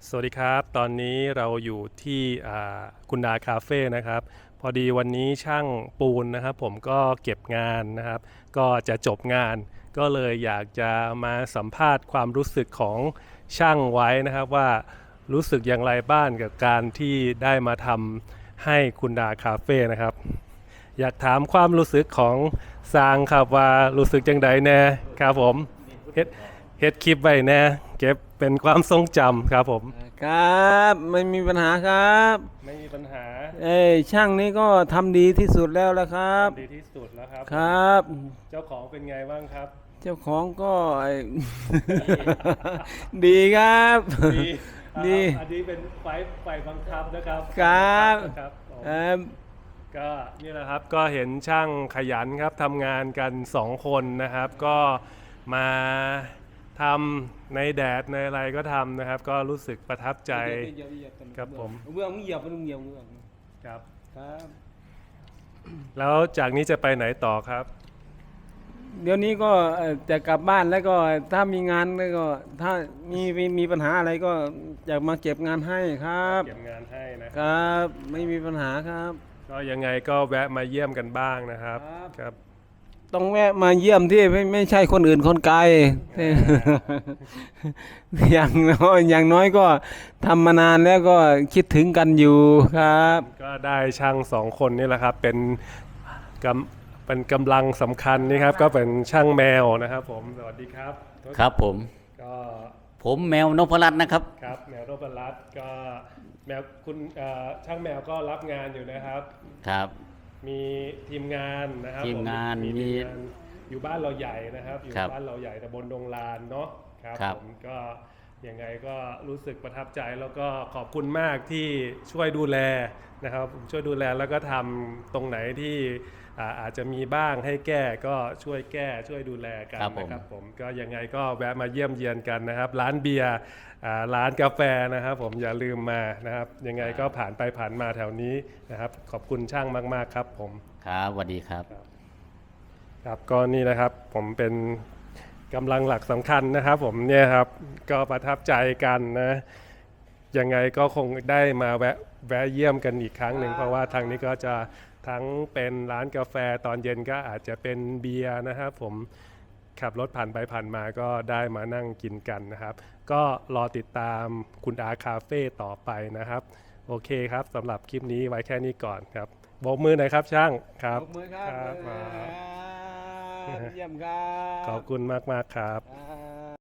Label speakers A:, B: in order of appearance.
A: สวัสดีครับตอนนี้เราอยู่ที่คุณดาคาเฟ่นะครับพอดีวันนี้ช่างปูนนะครับผมก็เก็บงานนะครับก็จะจบงานก็เลยอยากจะมาสัมภาษณ์ความรู้สึกของช่างไว้นะครับว่ารู้สึกอย่างไรบ้างกับการที่ได้มาทำให้คุณดาคาเฟ่นะครับอยากถามความรู้สึกของซางครับว่ารู้สึกจังใดแน่ครับผมเฮ็ดเฮ็ดคลิปไว้แน่เก็บเป็นความทรงจำครับผม
B: ครับไม่มีปัญหาครับ
A: ไม่มีปัญหา
B: ช่างนี้ก็ทำดีที่สุดแล้วละครับ
A: ทำดีที่สุดแล้วครับผม
B: ครับ
A: เจ้าของเป็นไงบ้างครับ
B: เจ้าของก็ดีครับ
A: ดี
B: ดี
A: อันนี้เป็นไฟบังคับนะครับ
B: ครับ
A: นะครับผม
B: เอ่อ
A: ก็นี่แหละครับก็เห็นช่างขยันครับทำงานกัน2 คนนะครับก็มาทำในแดดในอะไรก็ทำนะครับก็รู้สึกประทับใจครับผม
B: เบื้องมึงเหยียบมันเหยียบเบื้อง
A: ครับ
B: ครับ
A: แล้วจากนี้จะไปไหนต่อครับ
B: เดี๋ยวนี้ก็จะกลับบ้านแล้วก็ถ้ามีงานแล้วก็ถ้ามีปัญหาอะไรก็อยากมาเก็บงานให้ครับ
A: เก็บงานให้นะ
B: ครับไม่มีปัญหาครับ
A: ก็ยังไงก็แวะมาเยี่ยมกันบ้างนะครับครับ
B: ต้องแวะมาเยี่ยมที่ไม่ใช่คนอื่นคนไกลอย่างน้อยก็ทำมานานแล้วก็คิดถึงกันอยู่ครับ
A: ก็ได้ช่าง2 คนนี่แหละครับเป็นกำลังสำคัญนี่ครับก็เป็นช่างแมวนะครับผมสวัสดีครับ
C: ครับผม
A: ก็
C: ผมแมวนพรัตน์นะครับ
A: ครับแมวโรบรัตน์ก็แมวคุณช่างแมวก็รับงานอยู่นะครับ
C: ครับ
A: มีทีมงานนะครับ
C: ทีมงาน
A: มีทีมงานอยู่บ้านเราใหญ่นะครับอยู่
C: ครับ
A: บ้านเราใหญ่ตำบลดงลานเนาะครับ
C: ครับ
A: ผมก็ยังไงก็รู้สึกประทับใจแล้วก็ขอบคุณมากที่ช่วยดูแลนะครับช่วยดูแลแล้วก็ทำตรงไหนที่อาจจะมีบ้างให้แก้ก็ช่วยแก้ช่วยดูแลกันนะครับผมก็ยังไงก็แวะมาเยี่ยมเยียนกันนะครับร้านเบียร์ร้านกาแฟนะครับผมอย่าลืมมานะครับยังไงก็ผ่านไปผ่านมาแถวนี้นะครับขอบคุณช่างมากๆครับผม
C: ครับสวัสดีครับ
A: ครับก็นี่นะครับผมเป็นกำลังหลักสำคัญนะครับผมเนี่ยครับก็ประทับใจกันนะยังไงก็คงได้มาแวะเยี่ยมกันอีกครั้งหนึ่งเพราะว่าทางนี้ก็จะทั้งเป็นร้านกาแฟตอนเย็นก็อาจจะเป็นเบียร์นะครับผมขับรถผ่านไปผ่านมาก็ได้มานั่งกินกันนะครับก็รอติดตามคุณอาคาเฟ่ต่อไปนะครับโอเคครับสำหรับคลิปนี้ไว้แค่นี้ก่อนครับโบกมือหน่อยครับช่างครับ
B: ขอบมือครับ
A: ครับ
B: เยี่ยมครับ
A: ขอบคุณมากครับ